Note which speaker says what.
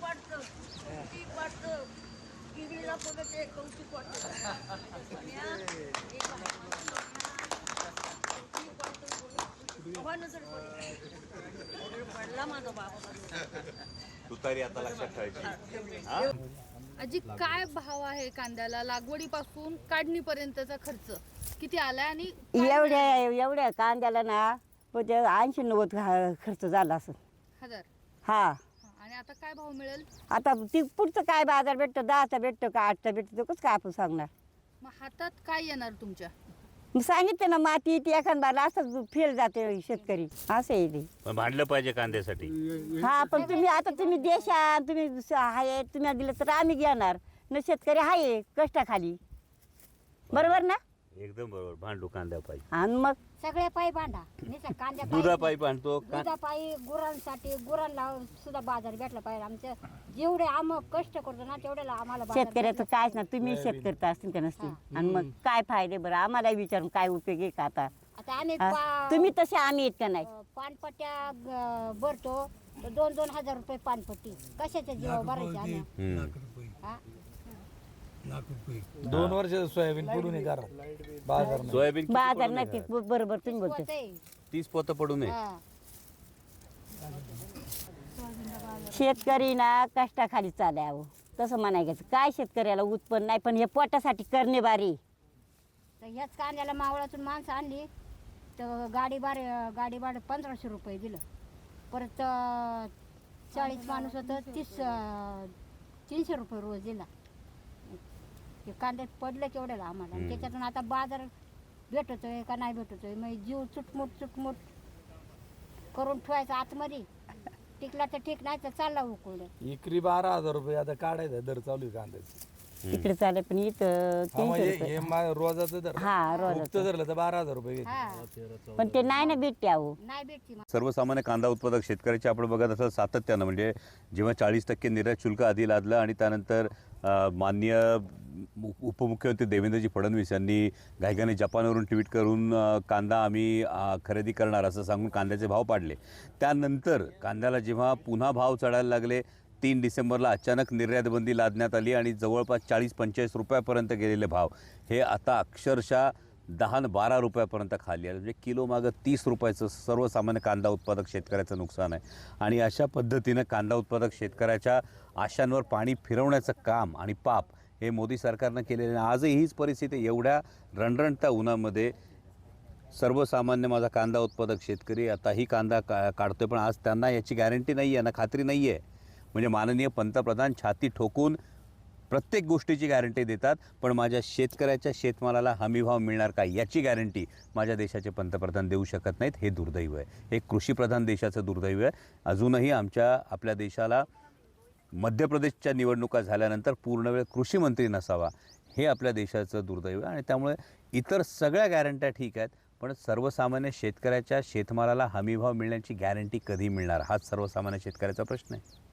Speaker 1: तुतारी आता लक्षात ठेवायची.
Speaker 2: आजी, काय भाव आहे कांद्याला? लागवडीपासून काढणीपर्यंतचा खर्च किती आलाय? आणि
Speaker 3: एवढ्या कांद्याला ना 80-90 खर्च झाला असं.
Speaker 2: हजार.
Speaker 3: हा.
Speaker 2: आणि आता काय भाव मिळेल?
Speaker 3: आता ती पुढचं काय बाजार भेटतो, 10चा भेटतो का 8चा भेटतो, तो कसं काय आपण सांगणार.
Speaker 2: मग हातात काय येणार तुमच्या?
Speaker 3: मग सांगितलं ना, माती ती एखादा असं फेल जाते शेतकरी, असं आहे ते.
Speaker 1: पण भांडलं पाहिजे कांद्यासाठी.
Speaker 3: हा, पण तुम्ही देशात तुम्ही आहे, तुम्ही दिलं तर आम्ही घेणार न. शेतकरी आहे कष्टाखाली, बरोबर ना?
Speaker 1: एकदम बरोबर. भांडू कांद्या पाहिजे.
Speaker 3: आणि मग
Speaker 4: सगळे पायी भांडा नाही कांद्या
Speaker 1: दुधापायी भांडतो.
Speaker 4: दुधापायी गुरांसाठी गुरांना सुद्धा बाजार भेटला पाहिजे. आमच्या जेवढे आम्ही कष्ट करतो ना तेवढ्याला आम्हाला बाजार
Speaker 3: शेतकऱ्याचं कायच ना. तुम्ही शेतकरी असतील का नसतील, आणि मग काय फायदे बरं? आम्हाला विचारून काय उपयोग आहे का आता?
Speaker 4: आता आम्ही
Speaker 3: तुम्ही तसे, आम्ही इतका नाही.
Speaker 4: पानपट्ट्या भरतो तर 2-2 हजार रुपये पानपट्टी. कशाच्या जीवा भरायचे आम्ही? हा?
Speaker 5: 2 वर्ष सोयाबीन पडून बाजार
Speaker 1: सोयाबीन किती
Speaker 3: बाजार
Speaker 1: पडून
Speaker 3: नाही.
Speaker 1: आहे?
Speaker 3: बरोबर तुम्ही बोलते.
Speaker 4: होतंय.
Speaker 1: 30 पोतं पडू नये.
Speaker 4: हा.
Speaker 3: शेतकरी ना कष्टाखाली चालावं तसं म्हणायचं. काय शेतकऱ्याला उत्पन्न नाही, पण हे पोटासाठी करणे बारी.
Speaker 4: तर ह्याच कांद्याला मावळातून माणसं आणली तर गाडी भाडं 1500 रुपये दिलं. परत 40 माणूस होतं 300 रुपये रोज दिला. हे कांद्यात पडलं केवढ्याला आम्हाला. आणि त्याच्यातून आता बाजार भेटतोय का नाही भेटतोय, मग जीव चुटमुट करून ठेवायचा आतमध्ये. टिकला तर ठीक, नाही तर चालला उकळलं.
Speaker 5: इकरी 12,000 रुपये आता काढायचा दर चालू आहे कांद्याचा.
Speaker 3: इकडे चालेल, पण इथं 300 रुपये.
Speaker 5: रोजाचं दर.
Speaker 3: हा, रोजाचं.
Speaker 5: धरलं तर 12,000 रुपये घेते.
Speaker 4: हा,
Speaker 3: पण ते नाही ना भेटते अहो.
Speaker 4: नाही भेटती.
Speaker 1: सर्वसामान्य कांदा उत्पादक शेतकऱ्याचे आपण बघत असं सातत्यानं, म्हणजे जेव्हा 40% निर्यात शुल्क आधी लादलं आणि त्यानंतर माननीय उपमुख्यमंत्री देवेंद्रजी फडणवीस यांनी घाईघाईने जपानवरून ट्विट करून कांदा आम्ही खरेदी करणार असं सांगून कांद्याचे भाव पाडले. त्यानंतर कांद्याला जेव्हा पुन्हा भाव चढायला लागले, 3 डिसेंबरला अचानक निर्यात बंदी लादण्यात आली आणि जवळपास 40-45 रुपयापर्यंत गेलेले भाव हे आता अक्षरशः 10-12 रुपयापर्यंत खाली आले. म्हणजे किलो मागं 30 रुपयाचं सर्वसामान्य कांदा उत्पादक शेतकऱ्याचं नुकसान आहे. आणि अशा पद्धतीनं कांदा उत्पादक शेतकऱ्याच्या आशांवर पाणी फिरवण्याचं काम आणि पाप हे मोदी सरकारनं केलेलं आहे. आजही हीच परिस्थिती. एवढ्या रणरणत्या उन्हामध्ये सर्वसामान्य माझा कांदा उत्पादक शेतकरी आताही कांदा काढतोय, पण आज त्यांना याची गॅरंटी नाही आहे ना, खात्री नाही आहे. म्हणजे माननीय पंतप्रधान छाती ठोकून प्रत्येक गोष्टीची गॅरंटी देतात, पण माझ्या शेतकऱ्याच्या शेतमालाला हमीभाव मिळणार का याची गॅरंटी माझ्या देशाचे पंतप्रधान देऊ शकत नाहीत. हे दुर्दैव आहे. हे कृषीप्रधान देशाचं दुर्दैव आहे. अजूनही आपल्या देशाला मध्य प्रदेशच्या निवडणुका झाल्यानंतर पूर्णवेळ कृषीमंत्री नसावा, हे आपल्या देशाचं दुर्दैव आहे. आणि त्यामुळे इतर सगळ्या गॅरंट्या ठीक आहेत, पण सर्वसामान्य शेतकऱ्याच्या शेतमालाला हमीभाव मिळण्याची गॅरंटी कधी मिळणार, हाच सर्वसामान्य शेतकऱ्याचा प्रश्न आहे.